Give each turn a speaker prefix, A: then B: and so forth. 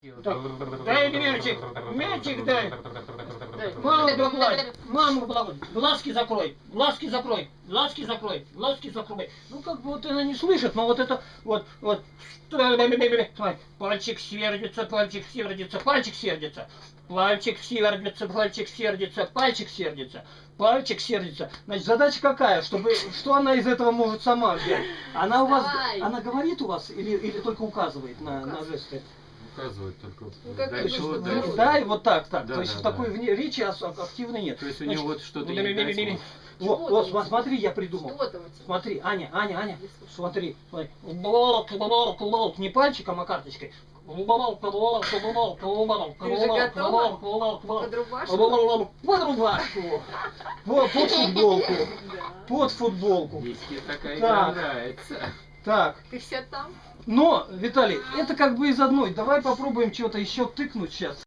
A: Так, дай мячик, мячик дай. Маму погладь, маму погладь. Глазки закрой, глазки закрой, глазки закрой, глазки закрой. Ну как бы вот она не слышит, но вот это вот. Смотри, пальчик сердится, пальчик сердится, пальчик сердится. Пальчик сердится, пальчик сердится, пальчик сердится, пальчик сердится. Значит, задача какая? Что она из этого может сама взять? Она у вас, она говорит у вас или только указывает на жесты?
B: Указывает только.
A: Да, и вот так.
B: Да,
A: то есть
B: да,
A: в такой речи активной нет.
B: То есть у него вот что-то
A: Вот, смотри, я придумал. Смотри, Аня, смотри. Не пальчиком, а карточкой.
C: Ты же готова? Под рубашку?
A: Под рубашку. Вот, под футболку. Под футболку.
B: Виски такая
A: Так.
B: нравится.
A: Так.
C: Ты все там?
A: Но, Виталий, это как бы из одной. Давай попробуем что-то еще тыкнуть сейчас.